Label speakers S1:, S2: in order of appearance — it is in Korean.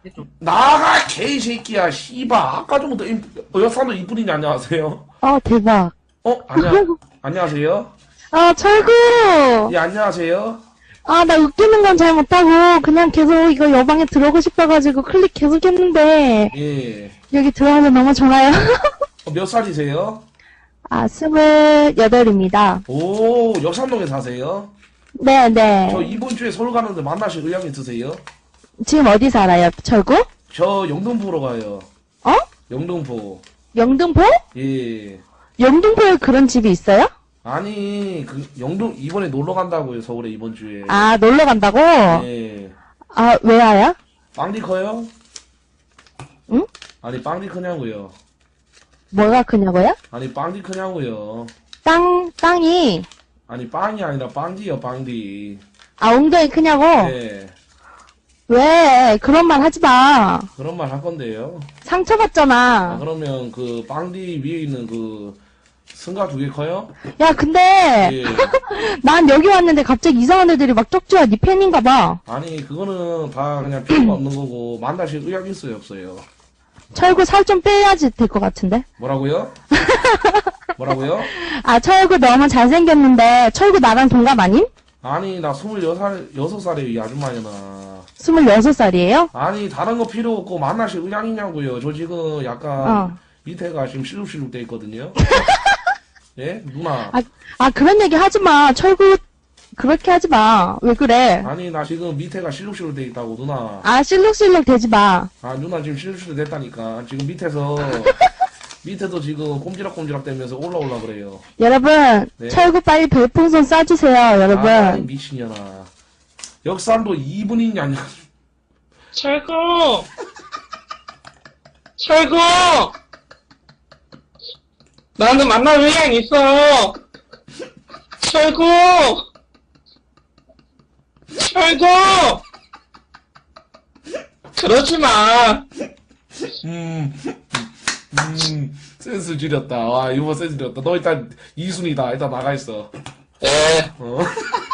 S1: 나가 개새끼야 씨발 아까 전부터 여사도 이쁜이니 안녕하세요.
S2: 대박.
S1: 안녕하세요.
S2: 철구!
S1: 예 안녕하세요.
S2: 나 웃기는 건 잘 못하고, 그냥 계속 이거 여방에 들어오고 싶어가지고 클릭 계속 했는데,
S1: 예.
S2: 여기 들어와서 너무 좋아요.
S1: 몇 살이세요?
S2: 28입니다.
S1: 오 역삼동에 사세요?
S2: 네네.
S1: 저 이번 주에 서울 가는데 만나실 의향이 있으세요?
S2: 지금 어디 살아요, 철구?
S1: 저 영등포로 가요.
S2: 어?
S1: 영등포.
S2: 영등포?
S1: 예.
S2: 영등포에 그런 집이 있어요?
S1: 아니 이번에 놀러 간다고요 서울에 이번 주에.
S2: 놀러 간다고?
S1: 예.
S2: 왜 와요?
S1: 빵디 커요?
S2: 응?
S1: 아니 빵디 크냐고요.
S2: 뭐가 크냐고요?
S1: 아니 빵디 크냐고요.
S2: 땅이,
S1: 아니 빵이 아니라 빵디요 빵디.
S2: 엉덩이 크냐고?
S1: 네.
S2: 왜? 그런 말 하지 마.
S1: 그런 말 할 건데요.
S2: 상처받잖아.
S1: 그러면 그 빵디 위에 있는 그 승가 2개 커요?
S2: 야, 근데,
S1: 예.
S2: 난 여기 왔는데 갑자기 이상한 애들이 막 쪽지와 네 팬인가 봐.
S1: 아니 그거는 다 그냥 필요가 없는 거고 만나실 의향 있어요 없어요?
S2: 철구 살 좀 빼야지 될 것 같은데?
S1: 뭐라고요? 뭐라고요?
S2: 철구 너무 잘생겼는데, 철구 나랑 동갑 아님?
S1: 아니 나 26살에 이 아줌마야 나.
S2: 26살이에요?
S1: 아니 다른 거 필요 없고 만나실 의향이냐고요. 저 지금 약간 밑에가 지금 실룩실룩 돼 있거든요. 예? 누나.
S2: 그런 얘기 하지 마. 철구, 그렇게 하지 마. 왜 그래?
S1: 아니 나 지금 밑에가 실룩실룩 돼 있다고 누나.
S2: 실룩실룩 되지 마.
S1: 누나 지금 실룩실룩 됐다니까. 지금 밑에도 지금 꼼지락꼼지락 되면서 올라올라 그래요.
S2: 여러분,
S1: 네.
S2: 철구 빨리 별풍선 쏴주세요, 여러분.
S1: 아이 미친년아. 역삼도 2분이냐 아니야.
S3: 철구! 철구! 나는 만날 의향 있어! 철구! 철구! 그러지 마!
S1: 센스 지렸다. 와, 이거 센스 지렸다. 너 일단 2순위다. 일단 나가 있어.
S3: 네.
S1: 어?